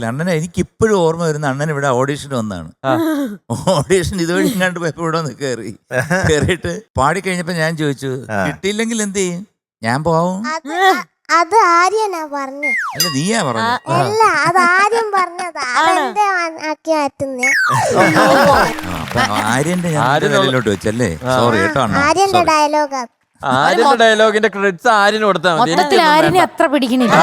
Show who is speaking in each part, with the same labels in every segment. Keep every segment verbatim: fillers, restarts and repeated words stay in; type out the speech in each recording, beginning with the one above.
Speaker 1: അണ്ണനെ എനിക്ക് ഇപ്പോഴും ഓർമ്മ വരുന്ന അണ്ണൻ ഇവിടെ ഓഡീഷൻ വന്നാണ്. ഓഡീഷൻ ഇതുവഴി ഇങ്ങാണ്ട് പോയപ്പോ ഇവിടെ ഒന്ന് കയറി കയറിയിട്ട് പാടിക്കഴിഞ്ഞപ്പോ ഞാൻ ചോദിച്ചു കിട്ടിയില്ലെങ്കിൽ എന്ത് ചെയ്യും? ഞാൻ പോവും.
Speaker 2: അത് ആര്യനാ പറഞ്ഞ.
Speaker 1: അല്ല നീയാ പറഞ്ഞു.
Speaker 2: അല്ല അത് ആര്യം പറഞ്ഞതാ. അതെന്റെ ആക്കി മാറ്റുന്ന
Speaker 1: ആര്യന്റെ ഞാൻ വെച്ചല്ലേ. സോറി കേട്ടോ അണ്ണ.
Speaker 2: ആര്യന്റെ ഡയലോഗാ.
Speaker 3: ആര്യന്റെ ഡയലോഗിന്റെ ക്രെഡിറ്റ്സ് ആര്യന് കൊടുത്താൽ മതി.
Speaker 4: അത്ര പിടിക്കണില്ല.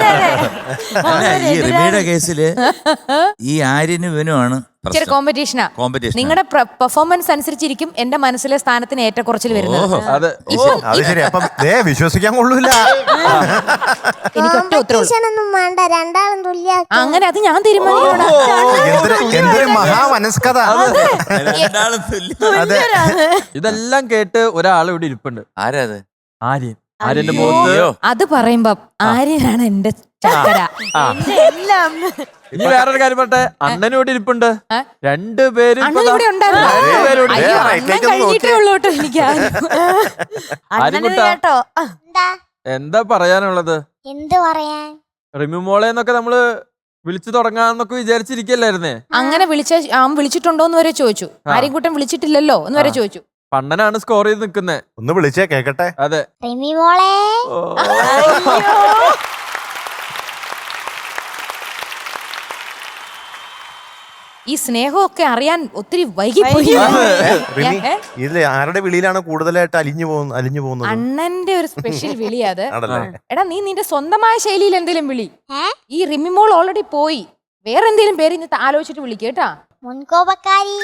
Speaker 1: ഈ റിമിയുടെ കേസില് ഈ ആര്യനും ഇവനുമാണ്
Speaker 4: കോമ്പറ്റീഷനാ. നിങ്ങളുടെ പെർഫോമൻസ് അനുസരിച്ചിരിക്കും എന്റെ മനസ്സിലെ സ്ഥാനത്തിന് ഏറ്റക്കുറച്ചിൽ വരുന്നത്.
Speaker 5: വിശ്വസിക്കാൻ കൊള്ളൂല.
Speaker 2: കോമ്പറ്റീഷനൊന്നും വേണ്ട, രണ്ടാളും തുല്യ.
Speaker 4: അങ്ങനെ അത് ഞാൻ തീരുമാനിക്കണം.
Speaker 5: മഹാമനസ്കത.
Speaker 3: ഇതെല്ലാം കേട്ട് ഒരാൾ ഇവിടെ ഇരിപ്പുണ്ട്.
Speaker 1: ആരാത്?
Speaker 3: ആര്യൻ. ആര്യന്റെ മുഖത്ത്
Speaker 4: അത് പറയുമ്പോ ആര്യനാണ് എന്റെ ചക്കര.
Speaker 3: ഇനി വേറൊരു കാര്യം പറട്ടെ, അണ്ണനും ഇവിടെ ഇരിപ്പുണ്ട്. രണ്ടുപേരും
Speaker 4: ഇവിടെ
Speaker 3: എന്താ പറയാനുള്ളത്?
Speaker 2: എന്ത് പറയാൻ?
Speaker 3: റിമി മോളെ എന്നൊക്കെ നമ്മള് വിളിച്ചു തുടങ്ങാന്നൊക്കെ വിചാരിച്ചിരിക്കല്ലായിരുന്നേ.
Speaker 4: അങ്ങനെ വിളിച്ച അവൻ വിളിച്ചിട്ടുണ്ടോന്ന് വരെ ചോദിച്ചു. ആര്യൻകുട്ടൻ വിളിച്ചിട്ടില്ലല്ലോ എന്ന് വരെ ചോദിച്ചു.
Speaker 3: പണ്ണനാണ് സ്കോർ ചെയ്ത് നിക്കുന്നേ.
Speaker 5: ഒന്ന് വിളിച്ചേ കേക്കട്ടെ.
Speaker 3: അതെ.
Speaker 2: റിമി മോളെ.
Speaker 4: ഈ സ്നേഹമൊക്കെ അറിയാൻ ഒത്തിരി വൈകിപ്പോയി.
Speaker 5: ഇതില് ആരുടെ വിളിയിലാണ് കൂടുതലായിട്ട് അലിഞ്ഞു പോകുന്നത്? അലിഞ്ഞു പോകുന്നത്
Speaker 4: അണ്ണന്റെ ഒരു സ്പെഷ്യൽ വിളി അത്. എടാ നീ നിന്റെ സ്വന്തമായ ശൈലിയിൽ എന്തെങ്കിലും വിളി. ഈ റിമിമോൾ ഓൾറെഡി പോയി, വേറെ എന്തെങ്കിലും പേര് ഇന്ന് ആലോചിച്ചിട്ട് വിളിക്കുക കേട്ടാ.
Speaker 2: മുൻകോപക്കാരി.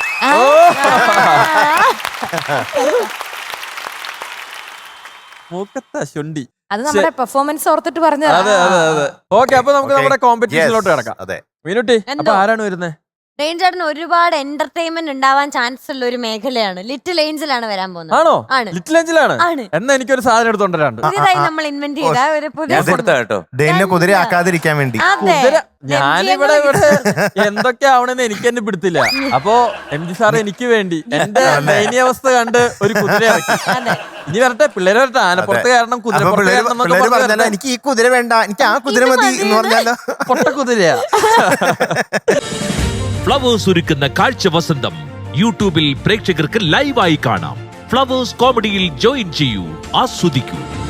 Speaker 4: അത് നമ്മുടെ പെർഫോമൻസ് ഓർത്തിട്ട് പറഞ്ഞത്.
Speaker 3: അതെ അതെ അതെ. ഓക്കെ, അപ്പൊ നമുക്ക് നമ്മുടെ കോമ്പറ്റീഷനിലോട്ട് കിടക്കാം. അതെ മീനുട്ടി, അപ്പൊ ആരാണ് വരുന്നത്?
Speaker 6: റേഞ്ചേട്ടന് ഒരുപാട് എന്റർടൈൻമെന്റ് ഉണ്ടാവാൻ ചാൻസ് ഉള്ള ഒരു മേഖലയാണ്. ലിറ്റിൽ ഏഞ്ചലാണ് വരാൻ പോകുന്നത്.
Speaker 3: ആണോ?
Speaker 6: ആണ്.
Speaker 3: ലിറ്റിൽ ഏഞ്ചലാണ്. എന്നാ എനിക്കൊരു സാധനം എടുത്തോണ്ടരാണ്ട്.
Speaker 6: പുതിയതായി നമ്മൾ ഇൻവെന്റ് ചെയ്ത ഒരു പുതിയ
Speaker 5: കുതിര ആക്കാതിരിക്കാൻ വേണ്ടി.
Speaker 3: ഞാനിവിടെ ഇവിടെ എന്തൊക്കെ ആവണെന്ന് എനിക്ക് തന്നെ പിടുത്തില്ല. അപ്പൊ എം ജി സാർ എനിക്ക് വേണ്ടി എന്റെ ദയനീയാവസ്ഥ കണ്ട് ഒരു കുതിര ഇറക്കി. ഇനി വരട്ടെ, പിള്ളേര് വരട്ടെ. ആനപ്പുറത്ത് കാരണം കുതിര.
Speaker 5: എനിക്ക് ഈ കുതിര വേണ്ട, എനിക്ക് ആ കുതിര മതി എന്ന് പറഞ്ഞാലോ.
Speaker 3: പൊട്ട കുതിരയാ.
Speaker 7: ഫ്ലവേഴ്സ് ഒരുക്കുന്ന കാഴ്ച വസന്തം യൂട്യൂബിൽ പ്രേക്ഷകർക്ക് ലൈവായി കാണാം. ഫ്ലവേഴ്സ് കോമഡിയിൽ ജോയിൻ ചെയ്യൂ, ആസ്വദിക്കൂ.